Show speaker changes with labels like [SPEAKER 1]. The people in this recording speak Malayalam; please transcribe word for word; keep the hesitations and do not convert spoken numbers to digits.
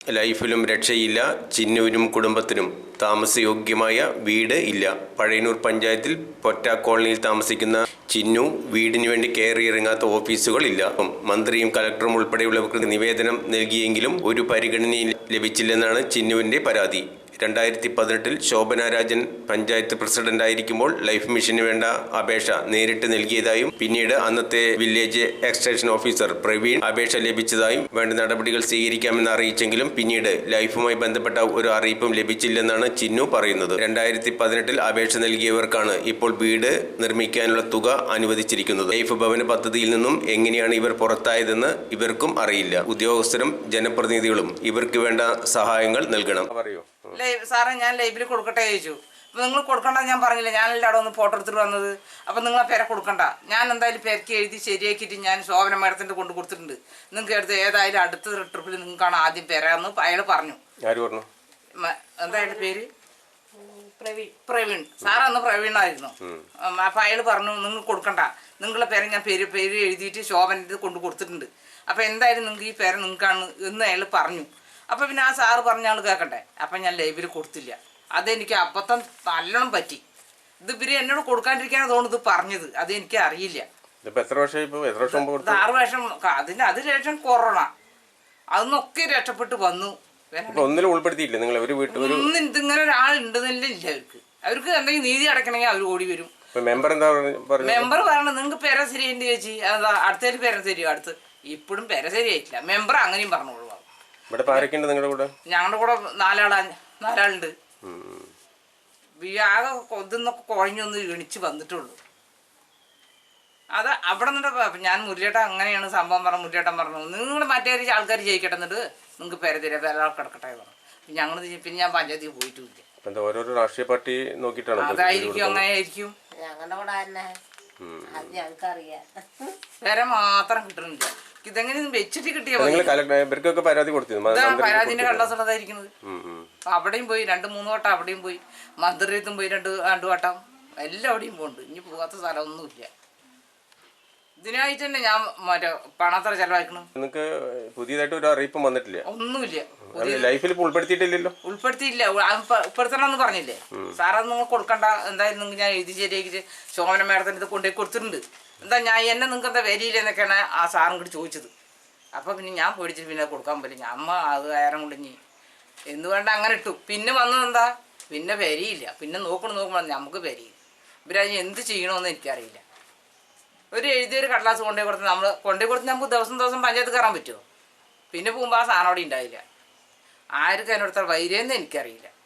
[SPEAKER 1] ലൈഫിലും രക്ഷയില്ല. ചിന്നുവിനും കുടുംബത്തിനും താമസയോഗ്യമായ വീട് ഇല്ല. പഴയന്നൂർ പഞ്ചായത്തിൽ പൊറ്റ കോളനിയിൽ താമസിക്കുന്ന ചിന്നു വീടിനു വേണ്ടി കയറിയിറങ്ങാത്ത ഓഫീസുകളില്ല. മന്ത്രിയും കലക്ടറും ഉൾപ്പെടെയുള്ളവർക്ക് നിവേദനം നൽകിയെങ്കിലും ഒരു പരിഗണനയും ലഭിച്ചില്ലെന്നാണ് ചിന്നുവിൻ്റെ പരാതി. രണ്ടായിരത്തി പതിനെട്ടിൽ ശോഭന രാജൻ പഞ്ചായത്ത് പ്രസിഡന്റായിരിക്കുമ്പോൾ ലൈഫ് മിഷന് വേണ്ട അപേക്ഷ നേരിട്ട് നൽകിയതായും പിന്നീട് അന്നത്തെ വില്ലേജ് എക്സ്റ്റൻഷൻ ഓഫീസർ പ്രവീൺ അപേക്ഷ ലഭിച്ചതായും വേണ്ട നടപടികൾ സ്വീകരിക്കാമെന്ന് അറിയിച്ചെങ്കിലും പിന്നീട് ലൈഫുമായി ബന്ധപ്പെട്ട ഒരു അറിയിപ്പും ലഭിച്ചില്ലെന്നാണ് ചിന്നു പറയുന്നത്. രണ്ടായിരത്തി പതിനെട്ടിൽ അപേക്ഷ നൽകിയവർക്കാണ് ഇപ്പോൾ വീട് നിർമ്മിക്കാനുള്ള തുക അനുവദിച്ചിരിക്കുന്നത്. ലൈഫ് ഭവന പദ്ധതിയിൽ നിന്നും എങ്ങനെയാണ് ഇവർ പുറത്തായതെന്ന് ഇവർക്കും അറിയില്ല. ഉദ്യോഗസ്ഥരും ജനപ്രതിനിധികളും ഇവർക്ക് വേണ്ട സഹായങ്ങൾ നൽകണം. പറയൂ
[SPEAKER 2] സാറേ, ഞാൻ ലൈവിൽ കൊടുക്കട്ടെ ചോദിച്ചു. അപ്പോൾ നിങ്ങൾ കൊടുക്കണ്ട ഞാൻ പറഞ്ഞില്ല, ഞാനല്ലേ അവിടെ ഒന്ന് ഫോട്ടോ എടുത്തിട്ട് വന്നത്. അപ്പോൾ നിങ്ങൾ ആ പേരെ കൊടുക്കണ്ട, ഞാൻ എന്തായാലും പേരക്ക് എഴുതി ശരിയാക്കിയിട്ട് ഞാൻ ശോഭന മേഡത്തിൻ്റെ കൊണ്ട് കൊടുത്തിട്ടുണ്ട്. നിങ്ങൾക്ക് എടുത്ത് ഏതായാലും അടുത്ത ട്രിപ്പിൽ നിങ്ങൾക്കാണ് ആദ്യം പേരാന്ന് അയാൾ പറഞ്ഞു. എന്തായാലും പേര് പ്രവീൺ പ്രവീൺ സാർ അന്ന് പ്രവീണായിരുന്നു. അപ്പോൾ അയാൾ പറഞ്ഞു നിങ്ങൾ കൊടുക്കണ്ട, നിങ്ങളുടെ പേരെ ഞാൻ പേര് പേര് എഴുതിയിട്ട് ശോഭന കൊണ്ട് കൊടുത്തിട്ടുണ്ട്. അപ്പോൾ എന്തായാലും നിങ്ങൾക്ക് ഈ പേര് നിങ്ങൾക്കാണ് എന്ന് അയാൾ പറഞ്ഞു. അപ്പോൾ പിന്നെ ആ സാറ് പറഞ്ഞ ആൾ കേൾക്കട്ടെ. അപ്പം ഞാൻ ലൈവിൽ കൊടുത്തില്ല. അതെനിക്ക് അബദ്ധം നല്ലോണം പറ്റി. ഇത് ഇവര് എന്നോട് കൊടുക്കാണ്ടിരിക്കാനാണ് തോന്നുന്നു ഇത് പറഞ്ഞത്. അതെനിക്ക് അറിയില്ല. ആറ് വർഷം അതിന് അത് ശേഷം കൊറോണ അതൊന്നൊക്കെ രക്ഷപ്പെട്ട് വന്നു. ഒന്നും ഇതിങ്ങനെ ഒരാളുണ്ടെന്നില്ല ഇല്ല അവർക്ക്. അവർക്ക് എന്തെങ്കിലും നീതി അടക്കണമെങ്കിൽ അവർ ഓടി വരും. മെമ്പർ പറയണത് നിങ്ങൾക്ക് പേര ശരിയുണ്ട് ചേച്ചി, അതാ അടുത്തേക്ക് പേര ശരിയോ അടുത്ത് ഇപ്പോഴും പേര ശരിയായിട്ടില്ല. മെമ്പർ അങ്ങനെയും പറഞ്ഞോളൂ.
[SPEAKER 1] ഞങ്ങളുടെ
[SPEAKER 2] കൂടെ നാലാളാ നാലാളുണ്ട്. ആകെ കൊതുന്നൊക്കെ കുഴഞ്ഞൊന്ന് എണിച്ച് വന്നിട്ടുള്ളൂ. അത് അവിടെ നിന്നിട്ട് ഞാൻ മുരളിയേട്ടൻ അങ്ങനെയാണ് സംഭവം പറഞ്ഞു. മുരളിയേട്ടൻ പറഞ്ഞു നിങ്ങൾ മറ്റേ ആൾക്കാർ ജയിക്കട്ടെ, എന്നിട്ട് നിങ്ങൾക്ക് പേര തരാം വേറെ ആൾ കിടക്കട്ടെ പറഞ്ഞു. ഞങ്ങൾ പിന്നെ ഞാൻ പഞ്ചായത്തിൽ പോയിട്ടില്ല.
[SPEAKER 1] ഓരോരോ രാഷ്ട്രീയ പാർട്ടി നോക്കിയിട്ടാണ്
[SPEAKER 2] അതായിരിക്കും, അങ്ങനെ ആയിരിക്കും. വേറെ മാത്രം കിട്ടുന്നില്ല. ഇതെങ്ങനെ വെച്ചിട്ട് കിട്ടിയ പരാതിന്റെ കള്ളസുള്ളതായിരിക്കുന്നത്. അവിടെയും പോയി രണ്ട് മൂന്ന് വട്ടം, അവിടെയും പോയി മന്ത്രിയത്തും പോയി രണ്ട് രണ്ടു വട്ടം, എല്ലാവിടെയും പോകുന്നുണ്ട്. ഇനി പോകാത്ത സ്ഥലമൊന്നുമില്ല. ഇതിനായിട്ട് തന്നെ ഞാൻ മറ്റേ പണത്ര ചെലവാക്കണം.
[SPEAKER 1] നിങ്ങൾക്ക് പുതിയതായിട്ട് ഒരു അറിയിപ്പും വന്നിട്ടില്ല?
[SPEAKER 2] ഒന്നുമില്ല,
[SPEAKER 1] ലൈഫിൽ ഉൾപ്പെടുത്തിയിട്ടില്ലല്ലോ.
[SPEAKER 2] ഉൾപ്പെടുത്തിയില്ല, ഉൾപ്പെടുത്തണമെന്ന് പറഞ്ഞില്ലേ സാറത് നിങ്ങൾ കൊടുക്കണ്ട. എന്തായാലും നിങ്ങൾ ഞാൻ എഴുതി ശരിയാക്കിട്ട് ശോഭന മേഡത്തിന് ഇത് കൊണ്ടുപോയി കൊടുത്തിട്ടുണ്ട്. എന്താ ഞാൻ എന്നെ നിങ്ങൾക്ക് എന്താ വരിയില്ലെന്നൊക്കെയാണ് ആ സാറും കൂടി ചോദിച്ചത്. അപ്പോൾ പിന്നെ ഞാൻ പേടിച്ചിട്ട് പിന്നെ കൊടുക്കാൻ പറ്റില്ല. അമ്മ അത് കയറും കൊണ്ടിഞ്ഞി എന്ന് വേണ്ട അങ്ങനെ ഇട്ടു. പിന്നെ വന്നത് എന്താ, പിന്നെ വരിയില്ല. പിന്നെ നോക്കണം നോക്കുമ്പോൾ നമുക്ക് വരിയില്ല. ഇവരതിന് എന്ത് ചെയ്യണമെന്ന് എനിക്കറിയില്ല. ഒരു എഴുതിയൊരു കടലാസ് കൊണ്ടുപോയി കൊടുത്ത് നമ്മൾ കൊണ്ടുപോയി കൊടുത്ത് നമുക്ക് ദിവസം ദിവസം പഞ്ചായത്ത് കയറാൻ പറ്റുമോ? പിന്നെ പോകുമ്പോൾ ആ സാധനം അവിടെ ഉണ്ടായില്ല. ആർക്കും അതിനോടത്ത വൈരെന്ന് എനിക്കറിയില്ല.